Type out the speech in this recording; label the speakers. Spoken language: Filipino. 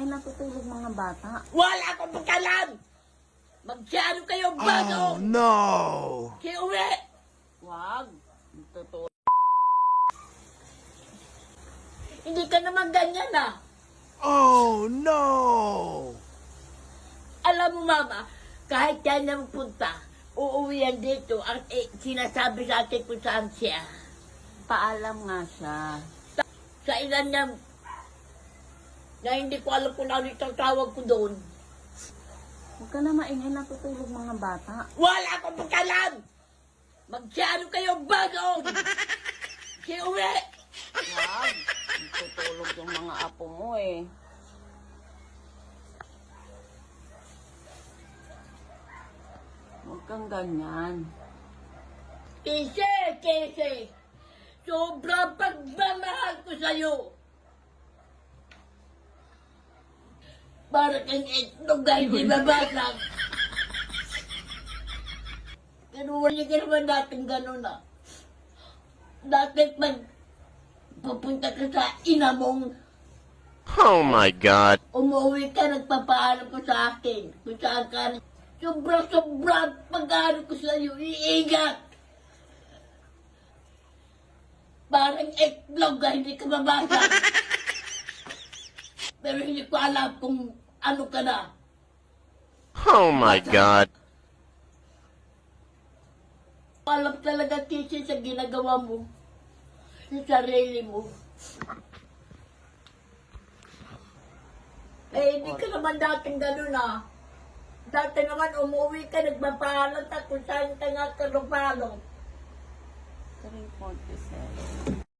Speaker 1: maingay natutulog mga bata.
Speaker 2: Wala akong pagkalam! Magsyano kayo bago!
Speaker 3: Oh no!
Speaker 2: Kaya uwi!
Speaker 1: Wag. Totoo.
Speaker 2: Hindi ka naman ganyan ah!
Speaker 3: Oh no!
Speaker 2: Alam mo mama, kahit yan na magpunta, uuwi yan dito ang sinasabi sa akin kung saan siya.
Speaker 1: Paalam nga siya.
Speaker 2: Sa ilan niya, na hindi ko alam kung ano itong tawag ko doon.
Speaker 1: Huwag ka na maingay natutulog mga bata.
Speaker 2: Wala akong pagkalam! Magsyano kayo bago! Kaya uwi!
Speaker 1: Wag. Tutulog yung mga apo mo eh. Huwag kang ganyan.
Speaker 2: Kese! Sobrang pagmamahal ko sa'yo! Para kang itlog na hindi babasag. Pero wala ka naman dating gano'n ah. Dati pag pupunta ka sa ina mong,
Speaker 3: Oh my god!
Speaker 2: umuwi ka, nagpapaalam ko sa akin. Kung saan ka, sobrang pag-aaral ko sa'yo, iingat. Parang itlog na hindi ka babasag. Pero hindi ko alam kung ano ka na.
Speaker 3: Oh my god!
Speaker 2: Alam talaga kasi sa ginagawa mo, sa sarili mo. Eh, hindi ka naman dating gano'n ah. Dati naman umuwi ka, nagpapaalam ka kung saan ka nga karupalo.
Speaker 1: 3:47.